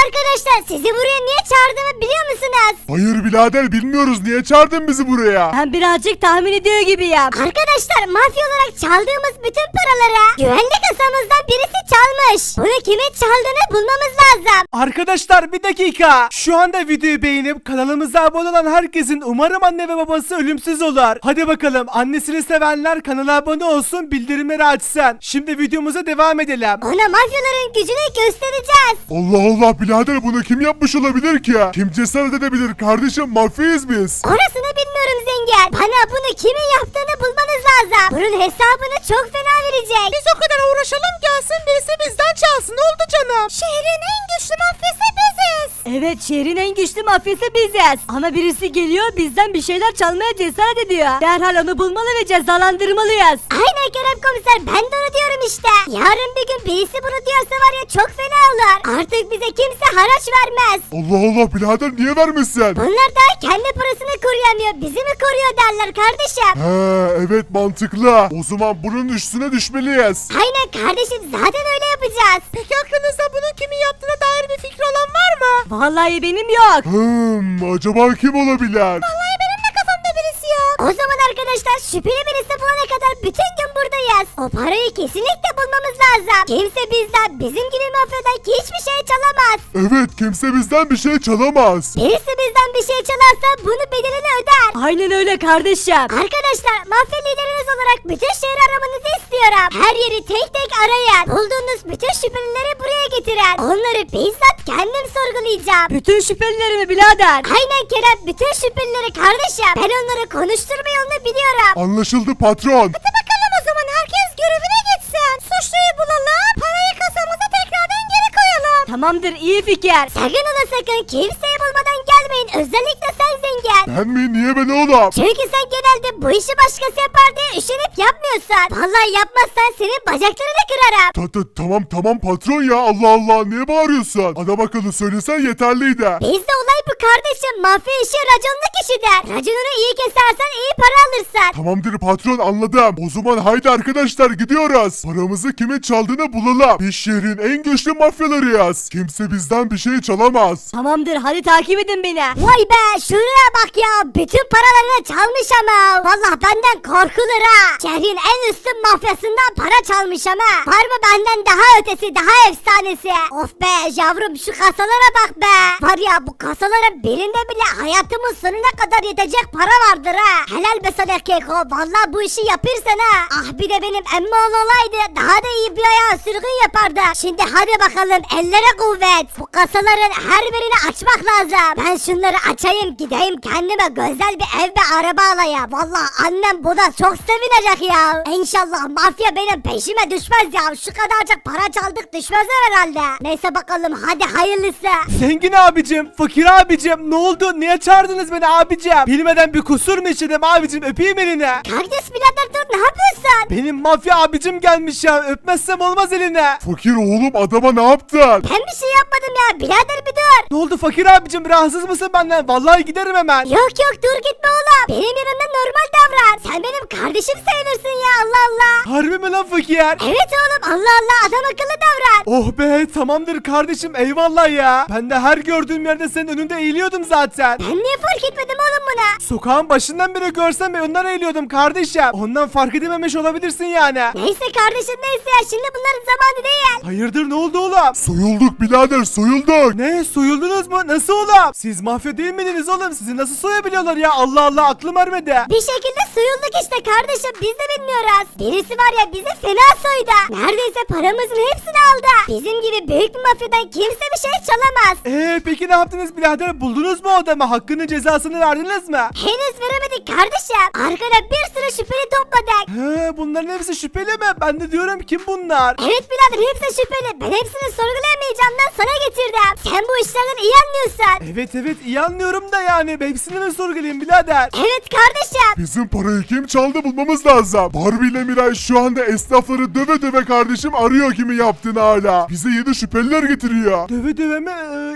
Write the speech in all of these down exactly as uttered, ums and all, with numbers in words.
arkadaşlar, sizi buraya niye çağırdığımı biliyor musunuz? Hayır birader bilmiyoruz, niye çağırdın bizi buraya? Ben birazcık tahmin ediyor gibiyim. Arkadaşlar, mafya olarak çaldığımız bütün paraları güvenlik kasamızdan birisi çalmış. Bunu kimin çaldığını bulmamız lazım. Arkadaşlar bir dakika. Şu anda videoyu beğenip kanalımıza abone olan herkesin umarım anne ve babası ölümsüz olur. Hadi bakalım, annesini sevenler kanala abone olsun, bildirimleri açsın. Şimdi videomuza devam edelim. Ona mafyaların gücünü göstereceğiz. Allah Allah birader, bunu kim yapmış olabilir ki? Kim cesaret edebilir kardeşim, mafyayız biz. Orasını bilmiyorum zengin. Bana bunu kimin yaptığını bulmanız lazım. Bunun hesabını çok fena verecek. Biz o kadar uğraşalım, gelsin birisi bizden çalsın, oldu canım. Şehrin en güçlü mafyası biziz. Evet, şehrin en güçlü mafyası biziz. Ama birisi geliyor, bizden bir şeyler çalmaya cesaret ediyor. Derhal onu bulmalı ve cezalandırmalıyız. Aynen Kerem komiser, ben de onu diyorum işte. Yarın bir gün birisi bunu diyorsa var ya, çok fena olur. Artık bize kimse haraç vermez. Allah Allah birader, niye vermişsin? Bunlar da kendi parasını koruyamıyor, bizi mi koruyor derler kardeşim. He evet, mantıklı. O zaman bunun üstüne düşmeliyiz. Aynen kardeşim, zaten öyle yapacağız. Peki aklınızda bunun kimin yaptığına dair bir fikri olan var mı? Vallahi benim yok. Hmm, acaba kim olabilir? Vallahi benim de kafamda birisi yok. O zaman arkadaşlar, şüpheli birisi bulana kadar bütün gün buradayız. O parayı kesinlikle bulmamız lazım. Kimse bizden, bizim gibi mafyadan hiçbir şey çalamaz. Evet, kimse bizden bir şey çalamaz. Birisi bizden bir şey çalarsa bunu bedelini öder. Aynen öyle kardeşim. Arkadaşlar, mafya lideriniz olarak bütün şehri aramanızı istiyorum. Her yeri tek tek arayın. Bulduğunuz bütün şüphelileri buraya getirin. Onları bizzat kendim sorgulayacağım. Bütün şüphelilerimi birader. Aynen Kerem, bütün şüphelileri kardeşim. Ben onları konuşturma yolunu biliyorum. Anlaşıldı patron. Hadi bakalım, o zaman herkes görevine gitsin. Suçluyu bulalım, parayı kasamıza tekrardan geri koyalım. Tamamdır, iyi fikir. Sakın ola sakın kimseyi bulmadan gelmeyin. Özellikle sen zengin. Ben mi? Niye ben oğlum? Çünkü sen genelde bu işi başkası yapar diye üşenip yapmıyorsun. Vallahi yapmazsan senin bacaklarını kırarım. Ta ta tamam tamam patron ya, Allah Allah, niye bağırıyorsun? Adam akıllı söylesen yeterliydi. Bizde olay bu kardeşim. Mafya işi raconlu kişidir. Raconunu iyi kesersen iyi para alırsın. Tamamdır patron, anladım. O zaman haydi arkadaşlar, gidiyoruz. Paramızı kimin çaldığını bulalım. Biz şehrin en güçlü mafyalarıyız. Kimse bizden bir şey çalamaz. Tamamdır, hadi takip edin beni. Vay be, şuraya bak ya. Bütün paralarını çalmış ama. Vallahi benden korkulur ha. Şehrin en üstün mafyasından para çalmış ama. Var mı benden daha ötesi, daha efsanesi? Of be yavrum, şu kasalara bak be. Var ya, bu kasaların birinde bile hayatımın sonuna kadar yetecek para vardır ha. Helal be sana Keko. Vallahi bu işi yapırsan ha. Ah bir de benim emmoğlu olaydı, daha da iyi bir ayağı sürgün yapardı. Şimdi hadi bakalım, ellere kuvvet. Bu kasaların her birini açmak lazım. Ben şunları açayım, gideyim kendime güzel bir ev ve araba alayım. Vallahi annem buna çok sevinecek ya. İnşallah mafya benim peşime düşmez ya. Şu kadarcık para çaldık, düşmezler herhalde. Neyse bakalım, hadi hayırlısı. Zengin abicim, fakir abicim, ne oldu? Niye çağırdınız beni abicim? Bilmeden bir kusur mu işledim abicim? Öpeyim elini. Kardeş birader dur, ne yapıyorsun? Benim mafya abicim gelmiş ya, öpmezsem olmaz eline. Fakir oğlum, adama ne yaptın? Ben bir şey yapmadım ya, birader bir dur. Ne oldu fakir abicim, rahatsız mısın benden? Vallahi giderim hemen. Yok yok, dur gitme oğlum. Benim yanımda normal davran. Sen benim kardeşim sayılırsın ya, Allah Allah. Harbi mi lan fakir? Evet oğlum, Allah Allah, adam akıllı davran. Oh be, tamamdır kardeşim, eyvallah ya. Ben de her gördüğüm yerde senin önünde eğiliyordum zaten. Ben niye fark etmedim oğlum buna? Sokağın başından beri görsem önden eğiliyordum kardeşim. Ondan fark edememiş olabilirsin yani. Neyse kardeşim, neyse ya, şimdi bunların zamanı değil. Hayırdır, ne oldu oğlum? Soyulduk birader, soyulduk. Ne, soyuldunuz mu? Nasıl oğlum? Siz mafya değil miydiniz oğlum? Sizi nasıl soyabiliyorlar ya? Allah Allah, aklım ermedi. Bir şekilde soyulduk işte kardeşim, biz de bilmiyoruz. Birisi var ya, bizi fena soydu. Neredeyse paramızın hepsini aldı. Bizim gibi büyük bir mafyadan kimse bir şey çalamaz. Eee peki ne yaptınız birader? Buldunuz mu o adamı? Hakkının cezasını verdiniz mi? Henüz veremedik kardeşim. Arkada bir sürü şüpheli topladık. He, bunların hepsi şüpheli mi? Ben de diyorum, kim bunlar? Evet birader, hepsi şüpheli. Ben hepsini sorgulayamayacağımdan sana getirdim. Sen bu işlerden iyi anlıyorsun. Evet evet, iyi anlıyorum da yani. Hepsini mi sorgulayayım birader? Evet kardeşim. Bizim parayı kim çaldı bulmamız lazım. Barbie ile Miray şu anda esnafları döve döve kardeşim arıyor kimi yaptığını hala. Bize yeni şüpheliler getiriyor. Döve döve mi? Ee,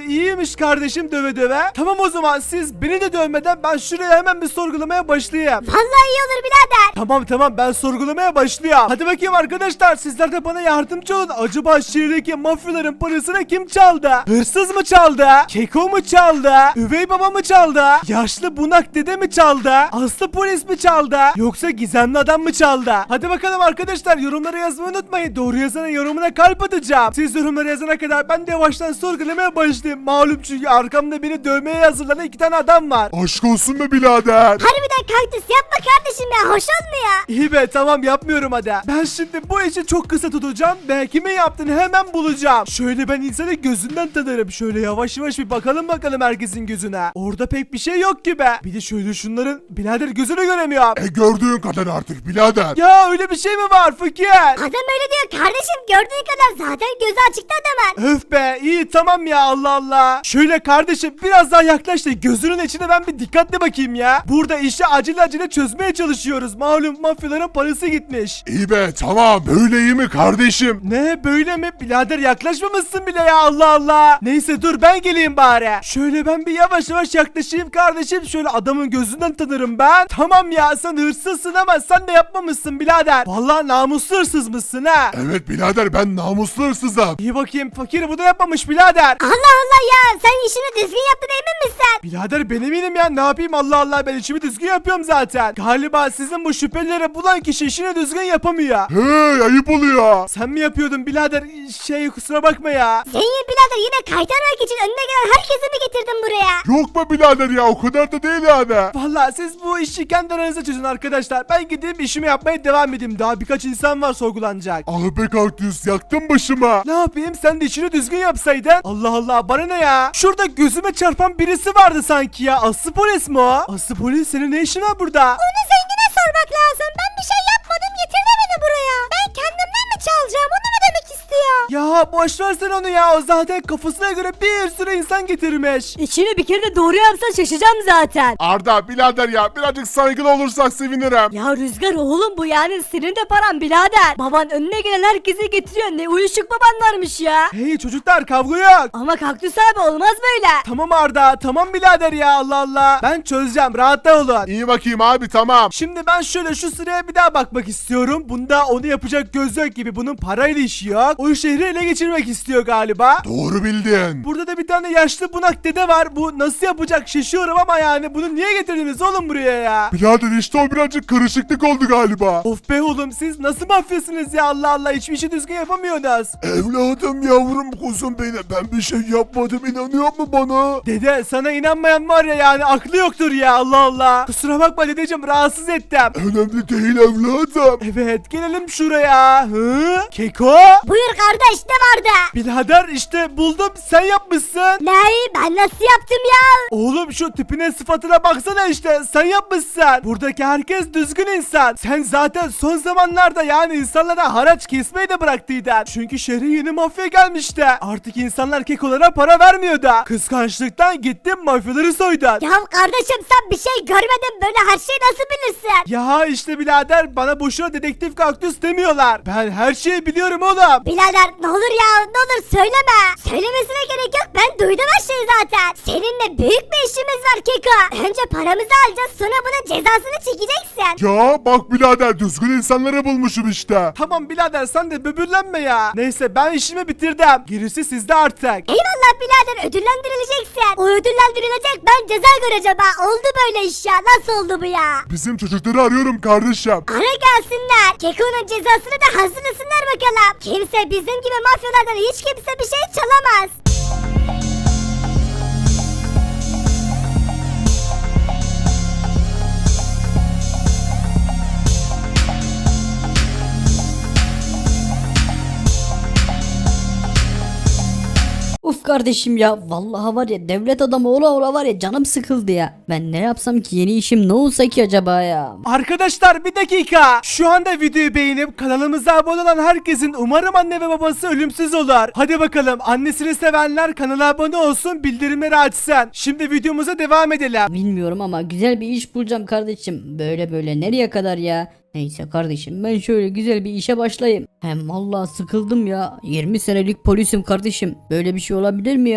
iyiymiş kardeşim döve döve. Tamam o zaman siz beni de dövmeden ben şuraya hemen bir sorgulamaya başlayayım. Vallahi iyi olur birader. Tamam tamam ben sorgulamaya başlıyorum. Hadi bakayım arkadaşlar sizler de bana yardımcı olun. Acaba şehirdeki mafyaların parasını kim çaldı? Hırsız mı çaldı? Keko mu çaldı? Üvey baba mı çaldı? Yaşlı bunak dede mi çaldı? Aslı polis mi çaldı? Yoksa gizemli adam mı çaldı? Hadi bakalım arkadaşlar yorumlara yazmayı unutmayın. Doğru yazana yorumuna kalp atacağım. Siz yorumlara yazana kadar ben de yavaştan sorgulamaya başlayayım. Malum çünkü arkamda beni dövmeye hazırlanan iki tane adam var. Aşk olsun be birader. Harbiden kaktüs yapma kardeşim ya, hoş olmuyor. İyi be tamam yapmıyorum hadi. Ben şimdi bu işi çok kısa tutacağım ve kimin yaptığını hemen bulacağım. Şöyle ben insanı gözünden tanırım. Şöyle yavaş yavaş bir bakalım bakalım herkesin gözüne. Orada pek bir şey yok gibi. Bir de şöyle şunların birader gözünü göremiyorum. E gördüğün kadar artık birader. Ya öyle bir şey mi var fakir? Adam öyle diyor kardeşim, gördüğün kadar zaten gözü açıktı adamın. Öf be iyi tamam ya Allah Allah. Şöyle kardeşim biraz daha yaklaş da gözünün içine ben bir dikkatli bakayım ya. Burada işi acele acele çözmeye çalışıyoruz. Malum mafyaların parası gitmiş. İyi be tamam, böyle iyi mi kardeşim? Ne böyle mi? Birader yaklaşmamışsın bile ya Allah Allah. Neyse dur ben geleyim bari. Şöyle ben bir yavaş yavaş yaklaşayım kardeşim. Şöyle adamın gözünden tanırım ben. Tamam ya sen hırsızsın ama sen de yapmamışsın birader. Vallahi namuslu hırsız mısın ha? Evet birader, ben namuslu hırsızım. İyi bakayım fakir bu da yapmamış birader. Allah Allah ya, sen işini düzgün yaptın emin misin? Birader ben eminim ya ne yapayım Allah Allah ben işimi düzgün yapıyorum zaten. Galiba sizin bu şüphelileri bulan kişi işini düzgün yapamıyor. Hey, ayıp oluyor. Sen mi yapıyordun birader? Şey kusura bakma ya. Zengin birader yine kaytarmak için önüne gelen herkesi mi getirdin buraya? Yok be birader ya, o kadar da değil yani. Vallahi siz bu işi kendi aranızda çözün arkadaşlar. Ben gideyim işimi yapmaya devam edeyim. Daha birkaç insan var sorgulanacak. Ah be kaktüs, yaktın başıma. Ne yapayım sen de işini düzgün yapsaydın. Allah Allah bana ne ya. Şurada gözüme çarpan birisi vardı sanki ya. Aslı polis mi o? Aslı polis senin ne işin var burada? Onu zengine sormak lazım. Ben bir şey yapmadım, getirdi beni buraya. Ben kendimden mi çalacağım, onu mu demek istiyor? Ya boş versen onu ya. O zaten kafasına göre bir sürü insan getirmiş. İşini bir kere de doğru yapsan şaşacağım zaten. Arda birader ya, birazcık saygılı olursak sevinirim. Ya Rüzgar oğlum bu yani senin de paran birader. Baban önüne gelen herkesi getiriyor. Ne uyuşuk baban varmış ya. Hey çocuklar kavga yok. Ama Kaktüs abi olmaz böyle. Tamam Arda tamam birader ya Allah Allah. Ben çözeceğim rahatta olun. İyi bakayım abi, tamam. Şimdi ben şöyle şu sıraya bir daha bakmak istiyorum. Bunda onu yapacak göz yok gibi. Bunun parayla işi yok. O şehri ele geçirmek istiyor galiba. Doğru bildin. Burada da bir tane yaşlı bunak dede var. Bu nasıl yapacak şaşıyorum ama yani bunu niye getirdiniz oğlum buraya ya? Birader işte o birazcık karışıklık oldu galiba. Of be oğlum siz nasıl mafyasınız ya Allah Allah hiçbir işi düzgün yapamıyorsunuz. Evladım, yavrum, kuzum benim, ben bir şey yapmadım, inanıyor mu bana? Dede sana inanmayan var ya yani aklı yoktur ya Allah Allah. Kusura bakma dedeciğim rahatsız ettim. Önemli değil evladım. Evet gelelim şuraya. Hı? Keko? Buyur kardeş, ne vardı? Birader işte buldum sen yapmışsın. Ne? Ben nasıl yaptım ya? Oğlum şu tipine sıfatına baksana işte sen yapmışsın. Buradaki herkes düzgün insan. Sen zaten son zamanlarda yani insanlara haraç kesmeyi de bıraktıydın. Çünkü şehre yeni mafya gelmişti. Artık insanlar kekolara para vermiyordu. Kıskançlıktan gittin mafyaları soydun. Ya kardeşim sen bir şey görmedin, böyle her şeyi nasıl bilirsin? Ya işte birader bana boşuna dedektif kaktüs demiyorlar. Ben her şeyi biliyorum oğlum. Birader ne olur ya, ne olur söyleme. Söylemesine gerek yok, ben duydum her şeyi zaten. Seninle büyük bir işimiz var Keko. Önce paramızı alacağız, sonra bunun cezasını çekeceksin. Ya bak birader, düzgün insanları bulmuşum işte. Tamam birader sen de böbürlenme ya. Neyse ben işimi bitirdim. Gerisi sizde artık. Eyvallah birader, ödüllendirileceksin. O ödüllendirilecek, ben ceza göreceğim ha. Oldu böyle iş ya, nasıl oldu bu ya? Bizim çocukları arıyorum kardeşim. Ara gelsinler. Keko'nun cezasını da hazırlasınlar bakalım. Kimse bizim gibi mafyalardan hiç kimse bir şey çalamaz. Uf kardeşim ya vallahi var ya devlet adamı ola ola var ya canım sıkıldı ya. Ben ne yapsam ki, yeni işim ne olsa ki acaba ya. Arkadaşlar bir dakika. Şu anda videoyu beğenip kanalımıza abone olan herkesin umarım anne ve babası ölümsüz olur. Hadi bakalım annesini sevenler kanala abone olsun, bildirimleri açsın. Şimdi videomuza devam edelim. Bilmiyorum ama güzel bir iş bulacağım kardeşim. Böyle böyle nereye kadar ya? Neyse kardeşim ben şöyle güzel bir işe başlayayım. Hem vallahi sıkıldım ya. yirmi senelik polisim kardeşim. Böyle bir şey olabilir mi ya?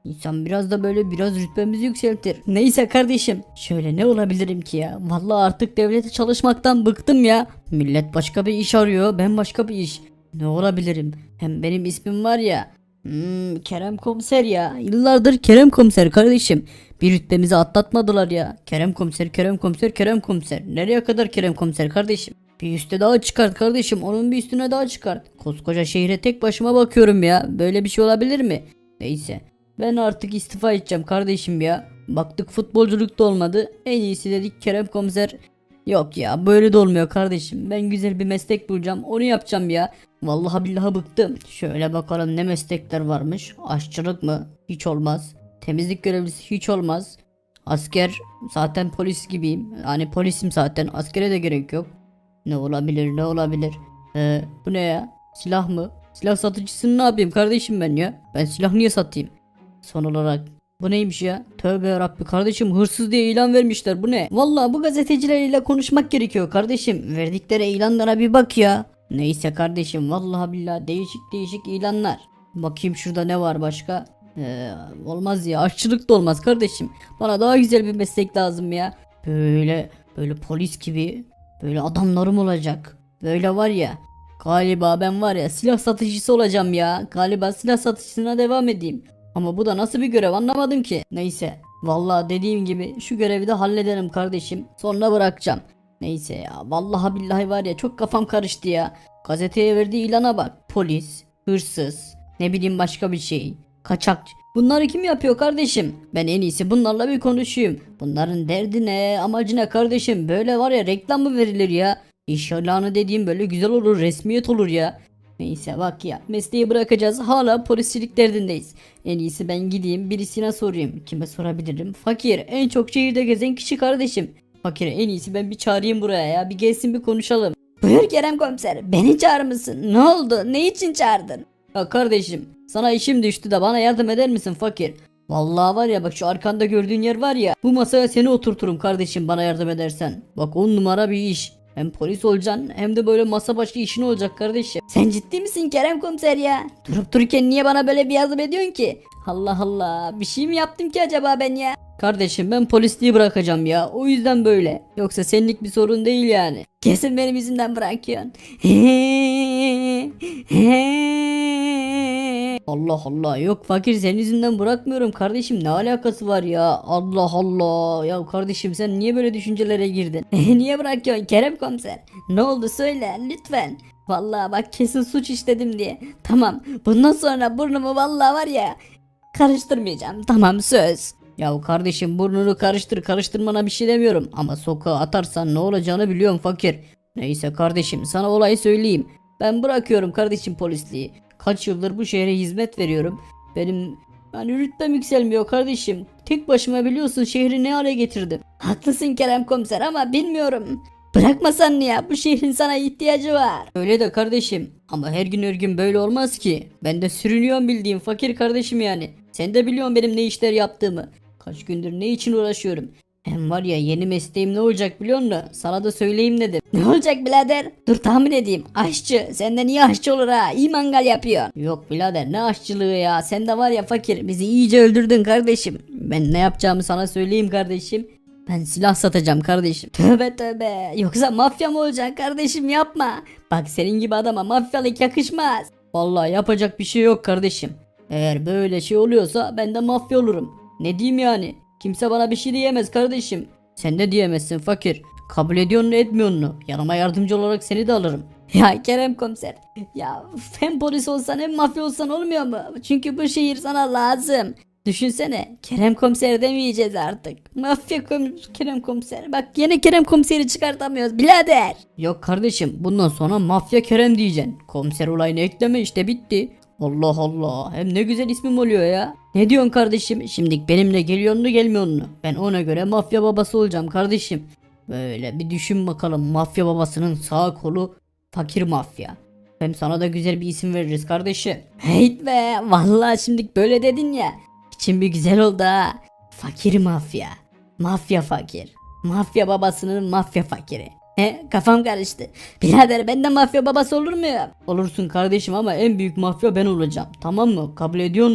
İnsan biraz da böyle biraz rütbemizi yükseltir. Neyse kardeşim. Şöyle ne olabilirim ki ya? Vallahi artık devlete çalışmaktan bıktım ya. Millet başka bir iş arıyor. Ben başka bir iş. Ne olabilirim? Hem benim ismim var ya. Hmm, Kerem Komiser ya. Yıllardır Kerem Komiser kardeşim. Bir rütbemizi atlatmadılar ya. Kerem Komiser, Kerem Komiser, Kerem Komiser. Nereye kadar Kerem Komiser kardeşim? Bir üste daha çıkart kardeşim. Onun bir üstüne daha çıkart. Koskoca şehre tek başıma bakıyorum ya. Böyle bir şey olabilir mi? Neyse. Ben artık istifa edeceğim kardeşim ya. Baktık futbolculuk da olmadı. En iyisi dedik Kerem Komiser. Yok ya böyle de olmuyor kardeşim. Ben güzel bir meslek bulacağım. Onu yapacağım ya. Vallahi billahi bıktım. Şöyle bakalım ne meslekler varmış. Aşçılık mı? Hiç olmaz. Temizlik görevlisi hiç olmaz. Asker zaten polis gibiyim. Yani polisim zaten. Askere de gerek yok. Ne olabilir ne olabilir? Ee, bu ne ya? Silah mı? Silah satıcısını ne yapayım kardeşim ben ya? Ben silah niye satayım? Son olarak bu neymiş ya? Tövbe yarabbi kardeşim hırsız diye ilan vermişler bu ne? Vallahi bu gazetecilerle konuşmak gerekiyor kardeşim. Verdikleri ilanlara bir bak ya. Neyse kardeşim vallahi billahi değişik değişik ilanlar. Bakayım şurada ne var başka? Ee, olmaz ya aşçılık da olmaz kardeşim. Bana daha güzel bir meslek lazım ya. Böyle böyle polis gibi böyle adamlarım olacak. Böyle var ya. Galiba ben var ya silah satıcısı olacağım ya. Galiba silah satışına devam edeyim. Ama bu da nasıl bir görev anlamadım ki. Neyse. Vallahi dediğim gibi şu görevi de hallederim kardeşim. Sonra bırakacağım. Neyse ya. Vallahi billahi var ya çok kafam karıştı ya. Gazeteye verdiği ilana bak. Polis, hırsız, ne bileyim başka bir şey. Kaçakçı. Bunları kim yapıyor kardeşim? Ben en iyisi bunlarla bir konuşayım. Bunların derdi ne, amacı ne kardeşim? Böyle var ya reklam mı verilir ya? İş ilanı dediğim böyle güzel olur, resmiyet olur ya. Neyse bak ya mesleği bırakacağız hala polisçilik derdindeyiz. En iyisi ben gideyim birisine sorayım. Kime sorabilirim? Fakir en çok şehirde gezen kişi kardeşim. Fakir en iyisi ben bir çağırayım buraya ya bir gelsin bir konuşalım. Buyur Kerem Komiser beni çağırmışsın. Ne oldu? Ne için çağırdın? Ya kardeşim sana işim düştü de bana yardım eder misin fakir? Vallahi var ya bak şu arkanda gördüğün yer var ya bu masaya seni oturturum kardeşim bana yardım edersen. Bak on numara bir iş. Hem polis olacaksın hem de böyle masa başı işin olacak kardeşim. Sen ciddi misin Kerem Komiser ya? Durup dururken niye bana böyle bir yardım ediyorsun ki? Allah Allah bir şey mi yaptım ki acaba ben ya? Kardeşim ben polisliği bırakacağım ya o yüzden böyle. Yoksa senlik bir sorun değil yani. Kesin benim yüzümden bırakıyorsun. Allah Allah yok fakir senin yüzünden bırakmıyorum kardeşim ne alakası var ya Allah Allah ya kardeşim sen niye böyle düşüncelere girdin? Niye bırakıyorsun Kerem Komiser? Ne oldu söyle lütfen. Vallahi bak kesin suç işledim diye. Tamam bundan sonra burnumu vallahi var ya karıştırmayacağım tamam söz. Ya kardeşim burnunu karıştır karıştırmana bir şey demiyorum ama sokağa atarsan ne olacağını biliyorum fakir. Neyse kardeşim sana olayı söyleyeyim. Ben bırakıyorum kardeşim polisliği. Kaç yıldır bu şehre hizmet veriyorum. Benim yani rütbem yükselmiyor kardeşim. Tek başıma biliyorsun şehri ne hale getirdim. Haklısın Kerem Komiser ama bilmiyorum. Bırakmasan ya bu şehrin sana ihtiyacı var. Öyle de kardeşim ama her gün her gün böyle olmaz ki. Ben de sürünüyorum bildiğim fakir kardeşim yani. Sen de biliyorsun benim ne işler yaptığımı. Kaç gündür ne için uğraşıyorum. Hem var ya yeni mesleğim ne olacak biliyor musun? Sana da söyleyeyim dedim. Ne olacak birader? Dur tahmin edeyim. Aşçı. Senden iyi aşçı olur ha. İyi mangal yapıyor. Yok birader ne aşçılığı ya. Sen de var ya fakir bizi iyice öldürdün kardeşim. Ben ne yapacağımı sana söyleyeyim kardeşim. Ben silah satacağım kardeşim. Tövbe tövbe. Yoksa mafya mı olacaksın kardeşim yapma. Bak senin gibi adama mafyalık yakışmaz. Vallahi yapacak bir şey yok kardeşim. Eğer böyle şey oluyorsa ben de mafya olurum. Ne diyeyim yani? Kimse bana bir şey diyemez kardeşim. Sen de diyemezsin fakir. Kabul ediyorsun etmiyorsun mu? Yanıma yardımcı olarak seni de alırım. Ya Kerem Komiser. Ya hem polis olsan hem mafya olsan olmuyor mu? Çünkü bu şehir sana lazım. Düşünsene Kerem Komiser demeyeceğiz artık. Mafya kom Kerem Komiser. Bak yine Kerem Komiser'i çıkartamıyoruz birader. Yok kardeşim bundan sonra mafya Kerem diyeceksin. Komiser olayını ekleme işte bitti. Allah Allah hem ne güzel ismim oluyor ya. Ne diyorsun kardeşim şimdi benimle geliyorsun mu gelmiyorsun mu? Ben ona göre mafya babası olacağım kardeşim. Böyle bir düşün bakalım mafya babasının sağ kolu fakir mafya. Hem sana da güzel bir isim veririz kardeşim. Heyt be vallahi şimdi böyle dedin ya. İçim bir güzel oldu ha. Fakir mafya. Mafya fakir. Mafya babasının mafya fakiri. He kafam karıştı. Birader ben de mafya babası olur muyum? Olursun kardeşim ama en büyük mafya ben olacağım. Tamam mı? Kabul ediyor musun bunu?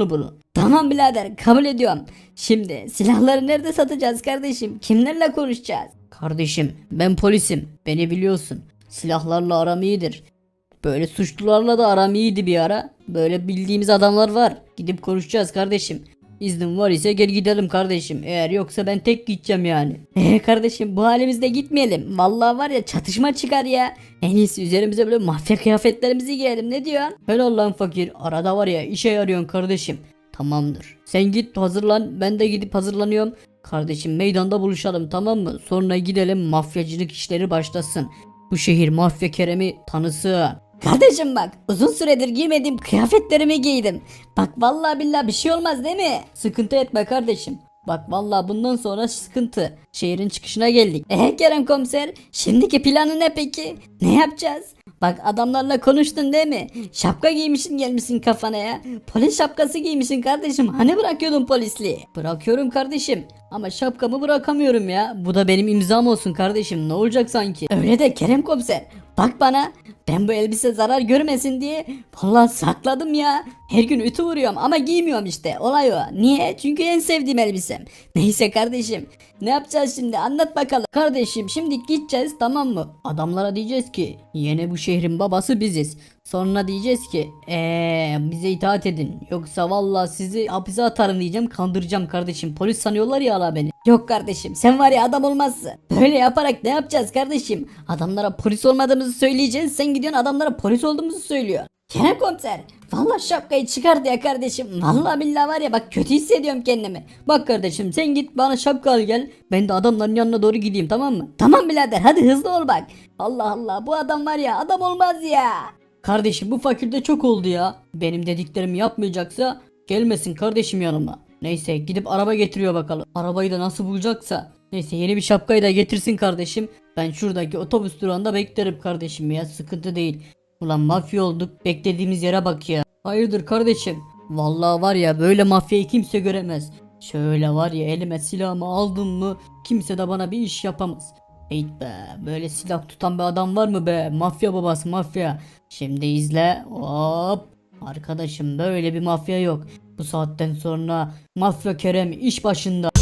Tamam birader kabul ediyorum. Şimdi silahları nerede satacağız kardeşim? Kimlerle konuşacağız? Kardeşim ben polisim. Beni biliyorsun. Silahlarla aram iyidir. Böyle suçlularla da aram iyiydi bir ara. Böyle bildiğimiz adamlar var. Gidip konuşacağız kardeşim. İznin var ise gel gidelim kardeşim. Eğer yoksa ben tek gideceğim yani. Eee kardeşim bu halimizde gitmeyelim. Vallahi var ya çatışma çıkar ya. En iyisi üzerimize böyle mafya kıyafetlerimizi giyelim ne diyorsun? Helal lan fakir. Arada var ya işe yarıyorsun kardeşim. Tamamdır. Sen git hazırlan. Ben de gidip hazırlanıyorum. Kardeşim meydanda buluşalım tamam mı? Sonra gidelim mafyacılık işleri başlasın. Bu şehir mafya Kerem'i tanısın. Kardeşim bak uzun süredir giymediğim kıyafetlerimi giydim. Bak vallahi billahi bir şey olmaz değil mi? Sıkıntı etme kardeşim. Bak vallahi bundan sonra sıkıntı. Şehrin çıkışına geldik. Eee Kerem komiser şimdiki planı ne peki? Ne yapacağız? Bak adamlarla konuştun değil mi? Şapka giymişsin gelmişsin kafana ya. Polis şapkası giymişsin kardeşim. Hani bırakıyordun polisliği? Bırakıyorum kardeşim. Ama şapkamı bırakamıyorum ya. Bu da benim imzam olsun kardeşim. Ne olacak sanki? Öyle de Kerem komiser. Bak bana ben bu elbise zarar görmesin diye vallahi sakladım ya. Her gün ütü vuruyorum ama giymiyorum işte. Olay o. Niye? Çünkü en sevdiğim elbisem. Neyse kardeşim. Ne yapacağız şimdi? Anlat bakalım. Kardeşim şimdi gideceğiz tamam mı? Adamlara diyeceğiz ki yeni bu şehrin babası biziz. Sonra diyeceğiz ki eee bize itaat edin. Yoksa vallahi sizi hapise atarım diyeceğim, kandıracağım kardeşim. Polis sanıyorlar ya hala beni. Yok kardeşim sen var ya adam olmazsın. Böyle yaparak ne yapacağız kardeşim? Adamlara polis olmadığımızı söyleyeceğiz. Sen gidiyorsun adamlara polis olduğumuzu söylüyor. Kerem komiser vallahi şapkayı çıkart ya kardeşim. Vallahi billahi var ya bak kötü hissediyorum kendimi. Bak kardeşim sen git bana şapka al gel. Ben de adamların yanına doğru gideyim tamam mı? Tamam birader hadi hızlı ol bak. Allah Allah bu adam var ya adam olmaz ya. Kardeşim bu fakirde çok oldu ya. Benim dediklerimi yapmayacaksa gelmesin kardeşim yanıma. Neyse gidip araba getiriyor bakalım. Arabayı da nasıl bulacaksa. Neyse yeni bir şapkayı da getirsin kardeşim. Ben şuradaki otobüs durağında beklerim kardeşim ya, sıkıntı değil. Ulan mafya olduk, beklediğimiz yere bak ya. Hayırdır kardeşim? Vallahi var ya böyle mafyayı kimse göremez. Şöyle var ya elime silahımı aldım mı kimse de bana bir iş yapamaz. Eyt be, böyle silah tutan bir adam var mı be? Mafya babası mafya. Şimdi izle. Hop. Arkadaşım böyle bir mafya yok. Bu saatten sonra mafya Kerem iş başında.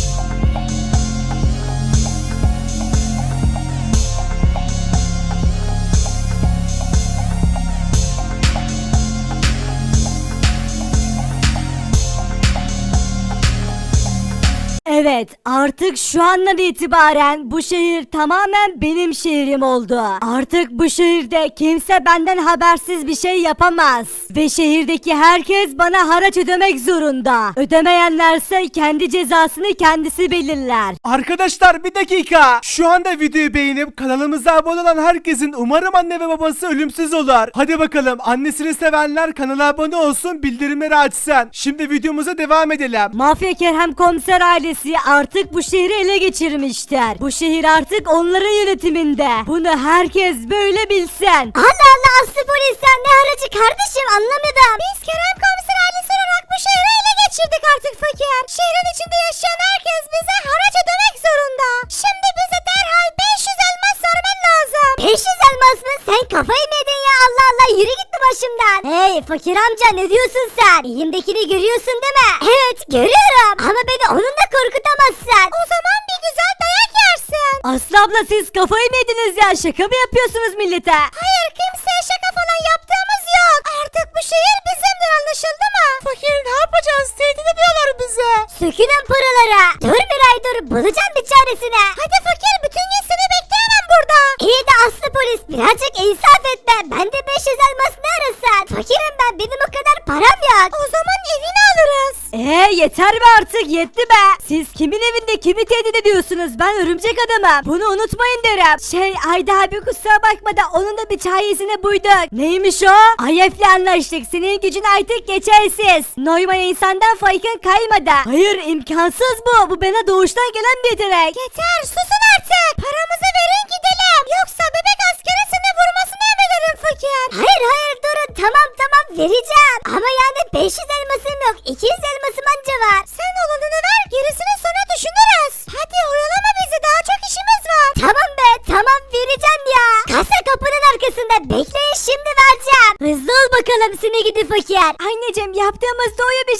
Evet, artık şu andan itibaren bu şehir tamamen benim şehrim oldu. Artık bu şehirde kimse benden habersiz bir şey yapamaz. Ve şehirdeki herkes bana haraç ödemek zorunda. Ödemeyenlerse kendi cezasını kendisi belirler. Arkadaşlar bir dakika. Şu anda videoyu beğenip kanalımıza abone olan herkesin umarım anne ve babası ölümsüz olur. Hadi bakalım annesini sevenler kanala abone olsun, bildirimleri açsın. Şimdi videomuza devam edelim. Mafya Kerem Komiser ailesi artık bu şehri ele geçirmişler. Bu şehir artık onların yönetiminde. Bunu herkes böyle bilsin. Allah Allah aslı polis sen ne aracı kardeşim anlamadım. Biz Kerem Komiser ailesi olarak bu şehri ele geçirdik artık fakir. Şehrin içinde yaşayan herkes bize haraç ödemek zorunda. Şimdi bize derhal beş yüz elmas vermen lazım. beş yüz elmas mı? Sen kafayı mı yedin ya? Allah Allah yürü git başımdan. Hey fakir amca ne diyorsun sen? Elimdekini görüyorsun değil mi? Evet görüyorum. Ama beni onunla korkutamazsın. O zaman bir güzel dayak yersin. Aslı abla siz kafayı mı yediniz ya? Şaka mı yapıyorsunuz millete? Hayır kimseye şaka falan yaptığımız yok. Artık bu şehir bizimdir anlaşıldı mı? Fakir ne yapacağız? Tehdit ediyorlar bize. Sökülün paralara. Dur bir ay dur bulacağım bir çaresine. Hadi fakir bütün gün seni bekleyemem burada. İyi de Aslı polis birazcık insaf etme. Ben de beş yüz elmas ne arasın? Fakirim ben benim o kadar param yok. O zaman evini alırız. Eee yeter be artık yetti be. Siz kimin evinde kimi tehdit ediyorsunuz? Ben örümcek adamım. Bunu unutmayın derim. Şey Ayda abi kusura bakma da onun da bir çaresine buyduk. Neymiş o? Ayef'le anlaştık. Senin gücün artık geçersiz. Noymaya insandan farkın kaymadı. Hayır imkansız bu. Bu bana doğuştan gelen bir yetenek. Yeter susun artık. Paramızı verin gidelim. Yoksa bebek askeri seni vurmasını emrederim fakir. Hayır hayır durun tamam tamam vereceğim. Ama yani beş yüz elmasım yok. iki yüz elmasım anca var. Sen olanını ver gerisini sonra düşünürüz. Hadi oyalama bizi daha çok işimiz var. Tamam be tamam vereceğim ya. Kasa kapının arkasında bekleyin şimdi vereceğim. Hızlı ol bakalım seni gidi fakir. Anneciğim yaptığımız doğru bir şey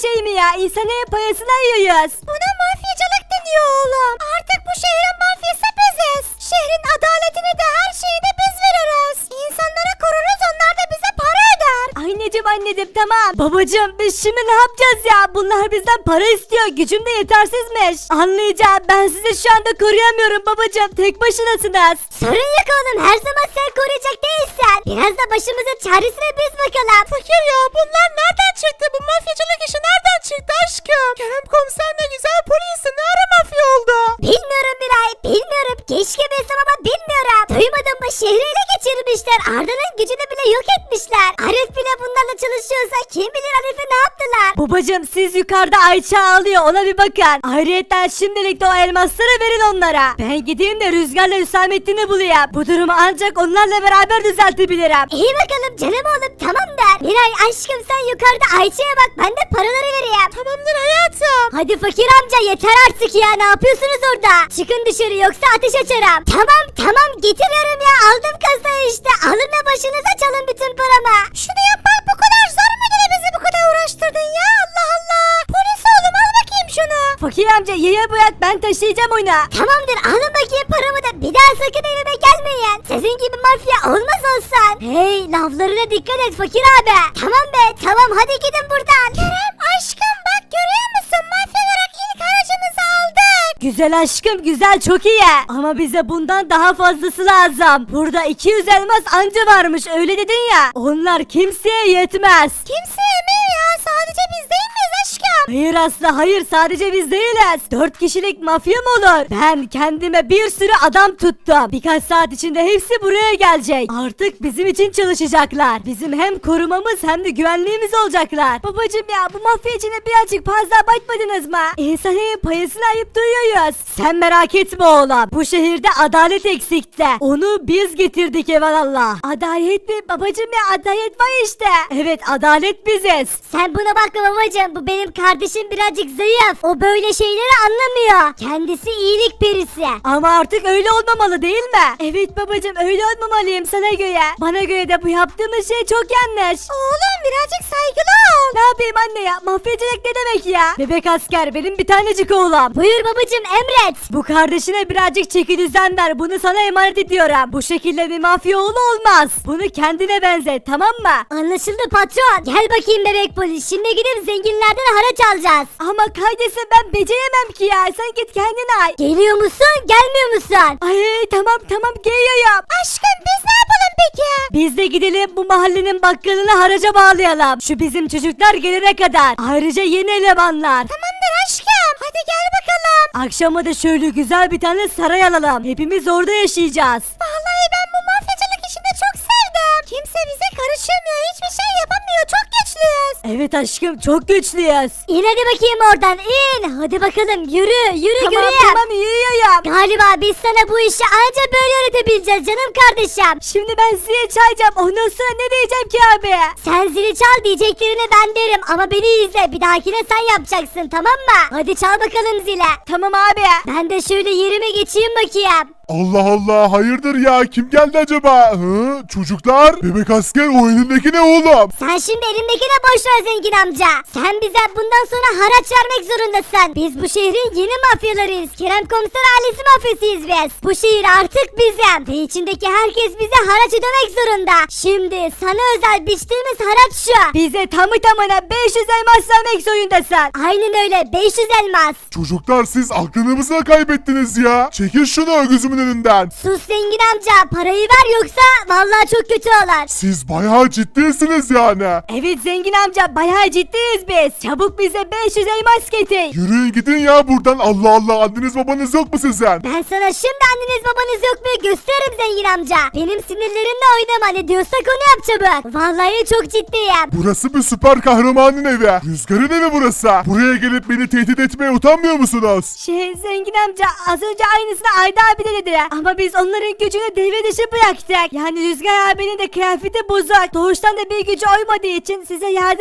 şey mi ya? İnsanın payasına yiyoruz. Buna mafyacılık deniyor oğlum. Artık bu şehrin mafyası biziz. Şehrin adaletini de her şeyi de biz veririz. İnsanları koruruz, onlar da bize para öder. Anneciğim anneciğim tamam. Babacığım biz şimdi ne yapacağız ya? Bunlar bizden para istiyor. Gücüm de yetersizmiş. Anlayacağım, ben sizi şu anda koruyamıyorum babacığım. Tek başınasınız. Sorun yok oğlum, her zaman sen koruyacak değilsen. Biraz da başımızın çaresine biz bakalım. Fakir ya, bunlar nereden çıktı? Bu mafyacılık işi nereden çıktı aşkım? Kerem komiser ne güzel polisi, ne ara mafya oldu? Bilmiyorum Miray, bilmiyorum. Keşke bilsem ama bilmiyorum. Duymadın mı, şehri ele geçirmişler. Arda'nın gücünü bile yok etmişler. Arif bile bunlarla çalışıyorsa kim bilir Arif'e ne yaptılar? Babacım siz yukarıda Ayça ağlıyor, ona bir bakın. Ayrıca şimdilik de o elmasları verin onlara. Ben gideyim de Rüzgar'la Hüsamettin'i bulayım. Bu durumu ancak onlarla beraber düzeltebilirim. İyi bakalım canım oğlum, tamam der. Miray aşkım sen yukarıda Ayça'ya bak, ben de paraları vereyim. Tamamdır hayatım. Hadi fakir amca yeter artık ya, ne yapıyorsunuz orada? Çıkın dışarı yoksa ateş açarım. Tamam tamam getiriyorum ya, aldım kasayı işte. Alın da başınıza çalın bütün paramı. Şunu yapmak bu kadar zor mu, ne bizi bu kadar uğraştırdın ya, Allah Allah. Polis oğlum al bakayım şunu. Fakir amca yaya bırak, ben taşıyacağım onu. Tamamdır alın bakayım paramı da, bir daha sakın evime gelmeyin. Sizin gibi mafya olmaz olsan. Hey laflarına dikkat et fakir abi. Tamam be tamam, hadi gidin buradan. Kerem aşkım bak görüyor musun, mafya olarak ilk aracımızı aldık. Güzel aşkım güzel, çok iyi. Ama bize bundan daha fazlası lazım. Burada iki yüz elmas anca varmış, öyle dedin ya. Onlar kimseye yetmez. Kimseye mi ya, sadece biz değil miyiz aşkım? Hayır Aslı hayır, sadece biz değiliz. Dört kişilik mafya mı olur? Ben kendime bir sürü adam tuttum. Birkaç saat içinde hepsi buraya gelecek. Artık bizim için çalışacaklar. Bizim hem korumamız hem de güvenliğimiz olacaklar. Babacım ya, bu mafya içine birazcık fazla abartmadınız mı? İnsanın payasını ayıp duyuyoruz. Sen merak etme oğlum. Bu şehirde adalet eksikti. Onu biz getirdik evelallah. Adalet mi babacım ya, adalet var işte. Evet adalet biziz. Sen buna bakma babacım, bu benim kardeşim birazcık zayıf. O böyle şeyleri anlamıyor. Kendisi iyilik perisi. Ama artık öyle olmamalı değil mi? Evet babacım öyle olmamalıyım sana göre. Bana göre de bu yaptığımız şey çok yanlış. Oğlum birazcık saygılı ol. Ne yapayım anne ya, mafyacılık ne demek ya? Bebek asker benim bir tanecik oğlum. Buyur babacım emret. Bu kardeşine birazcık çeki düzen ver, bunu sana emanet ediyorum. Bu şekilde bir mafya oğlu olmaz. Bunu kendine benzet, tamam mı? Anlaşıldı patron. Gel bakayım bebek polis, şimdi gidip zenginlerden haraç alacağız. Ama kardeşim ben beceremem ki ya, sen git kendin ay. Geliyor musun gelmiyor musun? Ay tamam tamam geliyorum. Aşkım biz ne yapalım peki? Biz de gidelim bu mahallenin bakkalını haraca bağlayalım. Şu bizim çocuklar gelene kadar. Ayrıca yeni elemanlar. Tamamdır aşkım, hadi gel bakalım. Akşama da şöyle güzel bir tane saray alalım. Hepimiz orada yaşayacağız. Vallahi ben bu mafyacılık işini çok sevdim. Kimse bize karışamıyor, hiçbir şey yapamıyor, çok güçlüyüz. Evet aşkım çok güçlüyüz. İn hadi bakayım oradan in. Hadi bakalım yürü yürü Tamam, göreyim. Tamam yürüyorum. Galiba biz sana bu işi anca böyle öğretebileceğiz canım kardeşim. Şimdi ben zili çalacağım, ondan sonra ne diyeceğim ki abi? Sen zili çal, diyeceklerini ben derim ama beni izle, bir dahakine sen yapacaksın tamam mı? Hadi çal bakalım zile. Tamam abi. Ben de şöyle yerime geçeyim bakayım. Allah Allah hayırdır ya, kim geldi acaba? Hı? Çocuklar, bebek asker o elindeki ne oğlum? Sen şimdi elimdekine boş ver zengin amca. Sen bize bundan sonra haraç vermek zorundasın. Biz bu şehrin yeni mafyalarıyız. Kerem komiser ailesi mafyasıyız biz. Bu şehir artık bizim. Ve içindeki herkes bize haraç ödemek zorunda. Şimdi sana özel biçtiğimiz haraç şu. Bize tamı tamına beş yüz elmas vermek zorundasın. Aynen öyle, beş yüz elmas. Çocuklar siz aklınızı mı kaybettiniz ya? Çekin şunu gözümün önünden. Sus zengin amca, parayı ver yoksa vallahi çok kötü olur. Siz bayağı ciddisiniz yani. Evet zengin amca, bayağı ciddiyiz biz. Çabuk bize beş yüz elmas getir. Yürüyün gidin ya buradan, Allah Allah, anneniz babanız yok mu sizin? Ben sana şimdi anneniz babanız yok mu gösteririm zengin amca. Benim sinirlerimle oynama, ne diyorsak onu yap çabuk. Vallahi çok ciddiyim. Burası bir süper kahramanın evi. Rüzgar'ın evi burası. Buraya gelip beni tehdit etmeye utanmıyor musunuz? Şey zengin amca, az önce aynısını Ayda abi de dedi. Ama biz onların gücünü devre dışı bıraktık. Yani Rüzgar abinin de kıyafeti bozuk. Doğuştan da bir gücü olmadığı için size yardım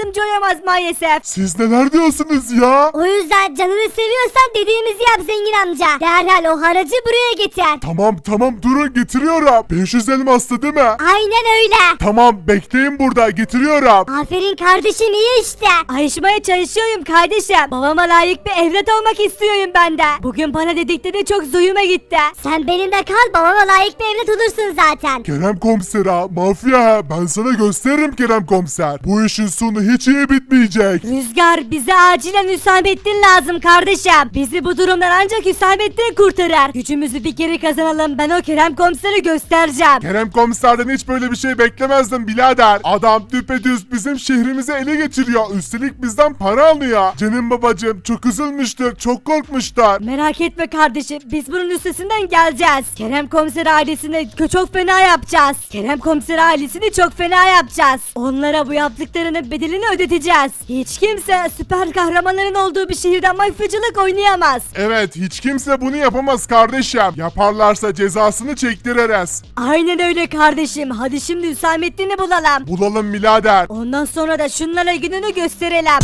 yardımcı olamaz maalesef. Siz neler diyorsunuz ya? O yüzden canını seviyorsan dediğimizi yap zengin amca. Derhal o haracı buraya getir. Tamam tamam durun getiriyorum. beş yüz elmastı değil mi? Aynen öyle. Tamam bekleyin burada getiriyorum. Aferin kardeşim iyi işte. Ayrışmaya çalışıyorum kardeşim. Babama layık bir evlat olmak istiyorum ben de. Bugün bana dedikleri çok zoyuma gitti. Sen benimle kal babama layık bir evlat olursun zaten. Kerem komiser ha, mafya ha. Ben sana gösteririm Kerem komiser. Bu işin sonu hiç iyi bitmeyecek. Rüzgar bize acilen Hüsamettin lazım kardeşim. Bizi bu durumdan ancak Hüsamettin kurtarır. Gücümüzü bir geri kazanalım ben o Kerem komiseri göstereceğim. Kerem komiserden hiç böyle bir şey beklemezdim birader. Adam düpedüz bizim şehrimizi ele geçiriyor. Üstelik bizden para alıyor. Canım babacığım çok üzülmüştür, çok korkmuşlar. Merak etme kardeşim biz bunun üstesinden geleceğiz. Kerem komiser ailesini kö- çok fena yapacağız. Kerem komiser ailesini çok fena yapacağız. Onlara bu yaptıklarının bedelini ödeteceğiz. Hiç kimse süper kahramanların olduğu bir şehirden mafyacılık oynayamaz. Evet hiç kimse bunu yapamaz kardeşim. Yaparlarsa cezasını çektiririz. Aynen öyle kardeşim. Hadi şimdi Hüsamettin'i bulalım. Bulalım birader. Ondan sonra da şunlara gününü gösterelim.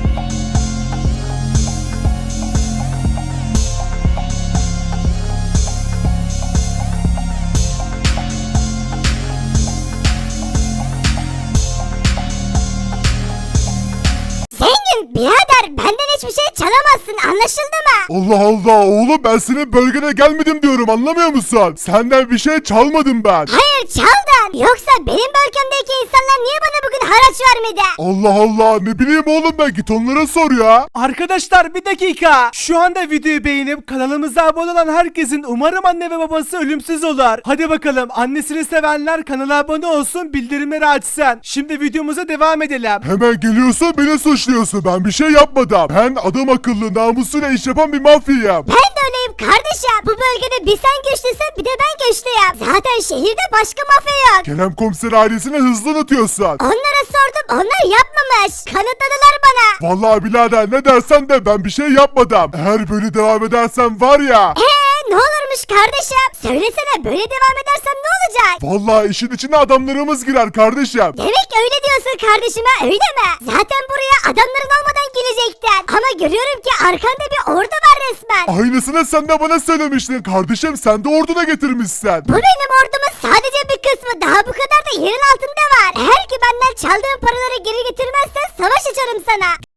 Zengin birader benden hiçbir şey çalamazsın anlaşıldı mı? Allah Allah oğlum ben senin bölgene gelmedim diyorum anlamıyor musun? Senden bir şey çalmadım ben. Hayır çaldın. Yoksa benim bölgemdeki insanlar niye bana bugün haraç vermedi? Allah Allah ne bileyim oğlum ben git onlara sor ya. Arkadaşlar bir dakika. Şu anda videoyu beğenip kanalımıza abone olan herkesin umarım anne ve babası ölümsüz olur. Hadi bakalım annesini sevenler kanala abone olsun bildirimleri açsın. Şimdi videomuza devam edelim. Hemen geliyorsun beni suçluyorsun ben bir şey yapmadım. Ben adam akıllı namusuyla iş yapan bir mafyayım. Ben de öyleyim kardeşim. Bu bölgede bir sen güçlüsün bir de ben güçlüyüm. Zaten şehirde başka mafya yok. Kerem komiser ailesini hızlı unutuyorsun. Onlara sordum onlar yapmamış. Kanıtladılar bana. Vallahi birader ne dersen de ben bir şey yapmadım. Eğer böyle devam edersen var ya. Eee ne olurmuş kardeşim? Söylesene böyle devam edersem ne olacak? Vallahi işin içine adamlarımız girer kardeşim. Demek öyle diyorsun kardeşime öyle mi? Zaten buraya adamların olmadan gelecektin. Ama görüyorum ki arkanda bir ordu var resmen. Aynısını sen de bana söylemiştin kardeşim sen de orduna getirmişsin. Bu benim ordumun sadece bir kısmı daha bu kadar da yerin altında var. Eğer ki benden çaldığın paraları geri getirmezsen savaş açarım sana.